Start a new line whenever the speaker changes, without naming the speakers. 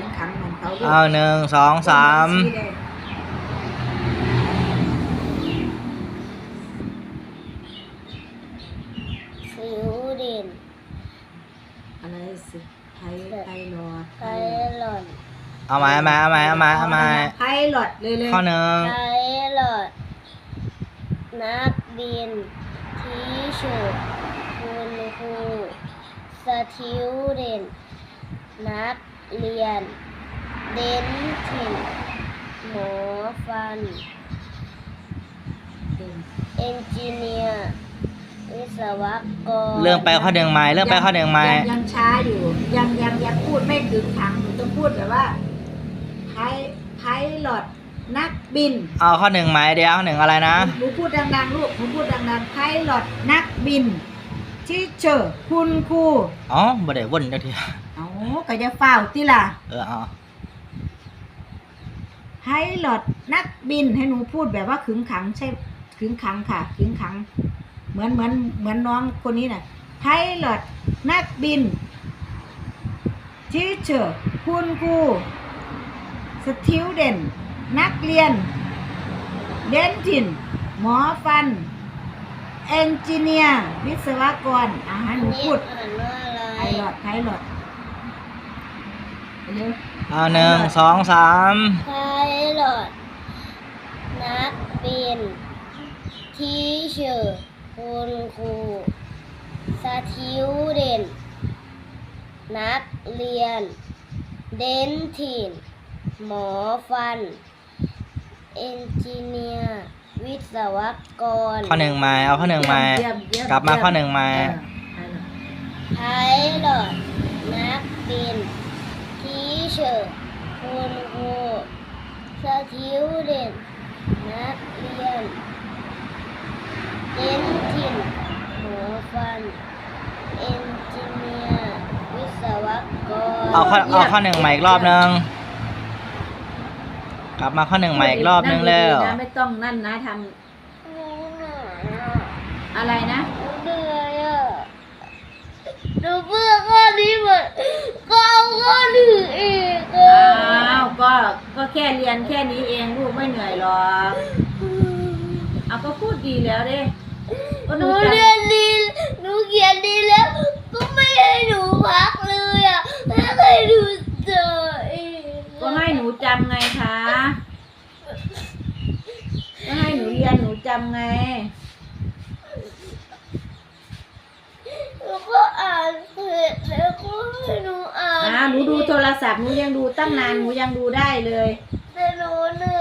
งขังเหมือนเขาด้วย
เอา1 2 3
สิวเด่น
อะไรสิไพลอต
ไพลอต
เอาใหม่
ไพลอตเลย
ข้อหนึ่ง
ไพลอตนักบินทีเชิร์คุณครูสติวเด่นนักเรียนเดนทินหมอฟันเอนจิเนียร์วิศวกร
เรื่องไปข้อหนึ่งใหม่
ยังช้าอยู่ยังพูดไม่ถึงขังหนูต้องพูดแบบว่าไพลอตนักบิน
เอาข้อหนึ่งใหม่เดี๋ยวข้อหนึ่งอะไรนะ
หนูพูดดังๆลูกหนูพูดดังๆไพลอตนักบินทีเชอร์คุณครู
อ๋อบ่ได้วนเดี๋ยวที
เอาก็จะฝ้าวติล่ะ
เอา
ไพลอตนักบินให้หนูพูดแบบว่าขึงขังใช่ขึงขังค่ะขึงขังเหมือนน้องคนนี้น่ะไพลอตนักบินทีเชอร์คุณครูสติวเดนนักเรียนเดนทินหมอฟันเอนจิเนียร์วิศวกรให้หนูพูด
อ่านว่าอะไร
ไพลอตเร็ว
เอา1 2 3
ไพลอตนักบินทีเชอร์คุณครูสติวเดนนักเรียนเดนทินหมอฟันเอนจิเนียร์วิศวกร
ข้อหนึ่งใหม่เอาข้อหนึ่งใหม่
เยี่ยม
กลับมาข้อหนึ่งใหม่
ไพลอตนักบินทีเชอร์คุณครูสติวเดนนักเรียนเดนทินหมอฟันเอนจิเนียร์วิศวกร
เอาข้อหนึ่งใหม่อีกรอบนึงกลับมาข้อหนึ่งใหม่อีกรอบนึงแล้ว
นะไม่ต้องนั่นนะท
หนูเหนื่อยอ่ะ
ำอะไรนะ
หนูเหนื่อยอ่ะหนูเบื่อข้อนี้หมดก็เอาข้อหนึ่งอีกอ่ะ
อ้าวก็แค่เรียนแค่นี้เองลูกไม่เหนื่อยหรอกเอาก็พูดดีแล้วเด้ก็
ห
หนู
นู
จะ
เรียนดีหนูเขียนดีแล้ว ก็ไม่ให้หนูพักเลยอ่ะไม่ให้หนูเจออีก
ก็ให้หนูจำไงคะก็ให้หนูเรียนหนูจำไง
หนูก็อ่านเสร็จแล้วก็ให้หนูอ่าน
หนูดูโทรศัพท์หนูยังดูตั้งนานหนูยังดูได้เลย
แต่หนูเหนื่